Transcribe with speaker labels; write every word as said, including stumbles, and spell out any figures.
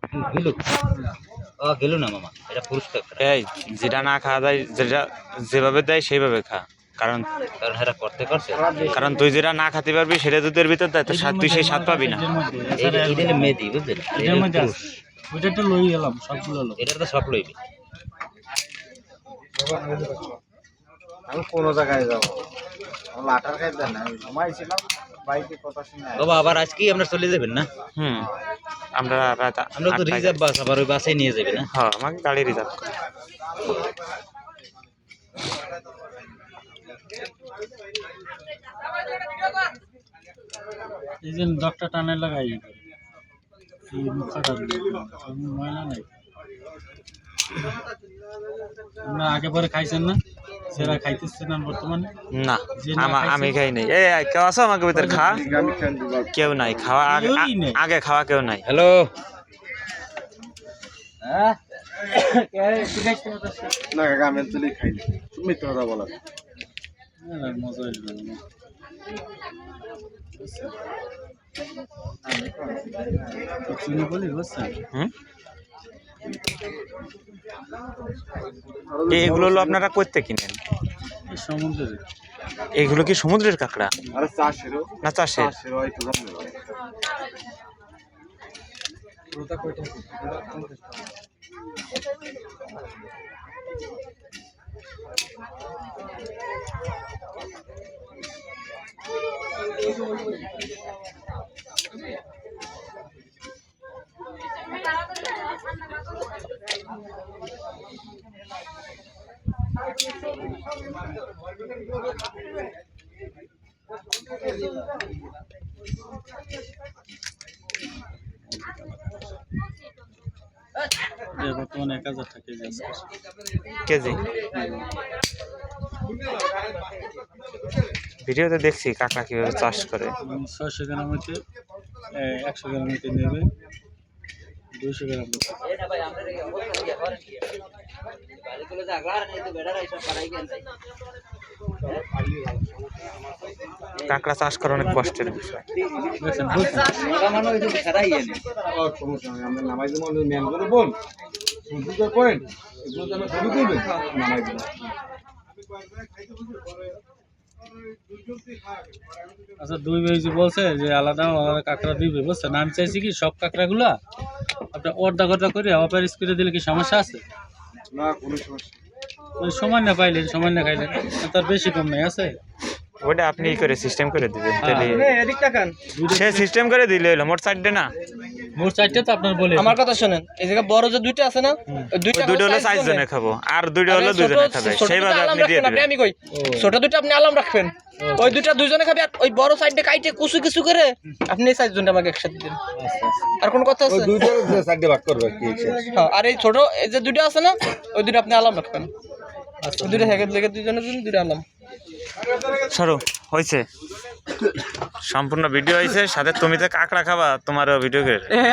Speaker 1: গেলু ও গেলু না মামা, এটা পুরস্কার।
Speaker 2: এই যেটা না খাওয়া যায়, যেটা যেভাবে দেয় সেইভাবে খা, কারণ
Speaker 1: কারণ এরা করতে করছে,
Speaker 2: কারণ তুই যেটা না খেতে পারবি সেটা দুধের ভিতর দেয়, তো স্বাদ তুই সেই স্বাদ পাবি না।
Speaker 1: এটা মেদি বুঝলেন,
Speaker 3: এটার মধ্যে আছে ওইটা তো লই এলাম সবগুলো লো
Speaker 1: এটা তো সব লইবি।
Speaker 4: আমি কোন জায়গায় যাবো, আমার লাটার খাই দেন না, আমি ঘুমাইছিলাম বাইকে কথা শুনে।
Speaker 1: বাবা আবার আজকেই আমরা চলে যাবেন না?
Speaker 2: হুম, আমরা রাত
Speaker 1: আমরা তো রিজার্ভ বাস, আবার ওই বাসে নিয়ে যাবে না?
Speaker 2: হ্যাঁ, আমাকে গাড়ি রিজার্ভ করে।
Speaker 3: এই যে ডক্টর টানে লাগাই এই মুখাটা ময়লা নাই। আপনারা আগে পরে খাইছেন না? সেরা খাইতেছেন না বর্তমানে?
Speaker 2: না, আমা- আমি খাই নাই। এই এই, কেউ আছো আমাকে ভিতরে? খা, কেউ নাই খাওয়া, আগে
Speaker 3: কেউই নেই।
Speaker 2: আগে খাওয়া কেউ নাই।
Speaker 1: হ্যালো,
Speaker 4: হ্যাঁ না কাকা, আমি তুলি খাইনি, তুমি তো কথা বলা।
Speaker 3: না, মজা হইলো না। চিনি বলি বুঝছেন?
Speaker 2: হুম, এইগুলো হলো আপনারা করতে কিনেন?
Speaker 3: এই সমুদ্রে
Speaker 2: এইগুলো কি সমুদ্রের কাঁকড়া
Speaker 4: আরে চাষেরও
Speaker 2: না চাষের?
Speaker 4: চাষেরও হয়তো জানি না।
Speaker 3: এই বর্তমানে এক হাজার টাকা কেজি আছে।
Speaker 2: কেজি? ভিডিওতে দেখছি কাঁকড়া কিভাবে চাষ করে।
Speaker 3: ছয়শো গ্রাম হইতে একশো গ্রাম হইতে নেবে দুইশো গ্রাম হইতে।
Speaker 2: কাঁকড়া চাষ করা অনেক কষ্টের বিষয়।
Speaker 3: দেখছেন বলছেন?
Speaker 4: ও, সমস্যা নেই, আমরা নামাই দেবো। আমি ম্যানগুলো বল সূর্য পয়েন্ট এগুলো তো আমরা ছবি তুলবে, নামাই দেবো।
Speaker 3: আচ্ছা, দুই ভাই যে বলছে যে আলাদা আলাদা কাঁকড়া দিবে বুঝছেন? আমি চাইছি কি সব কাঁকড়াগুলা আপনার অর্ধা অর্ধা করে অপারেস করে দিলে কি সমস্যা আছে?
Speaker 4: না কোনো সমস্যা।
Speaker 3: ওই সমান না পাইলেন সমান না খাইলেন, তার বেশি কম নাই আছে।
Speaker 2: ওটা আপনি ই করে সিস্টেম করে দিবেন, তাহলে
Speaker 5: এদিক তাকান,
Speaker 2: সে সিস্টেম করে দিলে হলো। মোট সাইডে না,
Speaker 3: মোট চারটে তো আপনার বলে
Speaker 5: আমার কথা শুনেন। এই জায়গা বড় যে দুইটা আছে না, ওই
Speaker 2: ওই
Speaker 5: দুইটা
Speaker 2: দুইটা হলো
Speaker 5: size
Speaker 2: চার
Speaker 5: জনে।
Speaker 2: জনে খাবো, আর দুইটা হলো
Speaker 5: আরে
Speaker 2: দুজনে
Speaker 5: ছোট-
Speaker 2: খাবে,
Speaker 5: ছোট
Speaker 2: সেইভাবে
Speaker 5: দুইটা আলাম
Speaker 2: আপনি দিয়ে
Speaker 5: রাখবেন, আপনি
Speaker 2: দিবেন।
Speaker 5: আমি কই ছোট দুইটা আপনি আলাম রাখবেন, ওই দুইটা দুইজনে খাবে। আর ওই বড় সাইডে কাইটে কুচু কিছু করে আপনি এই সাইজ জনটা আমাকে একসাথে দিন। আর কোন কথা আছে?
Speaker 4: দুইটার সাইডে ভাগ করবে কি?
Speaker 5: হ্যাঁ, আর এই ছোট এই যে দুইটা আছে না, ওই দুইটা আপনি আলাম রাখবেন। ওই দুইটা হেগে লেগে দুইজনের জন্য দুইটা আলাম।
Speaker 2: সরো, হয়েছে, সম্পূর্ণ ভিডিও হয়েছে। সাথে তুমি তো কাঁকড়া খাবা, তোমারও ভিডিও করে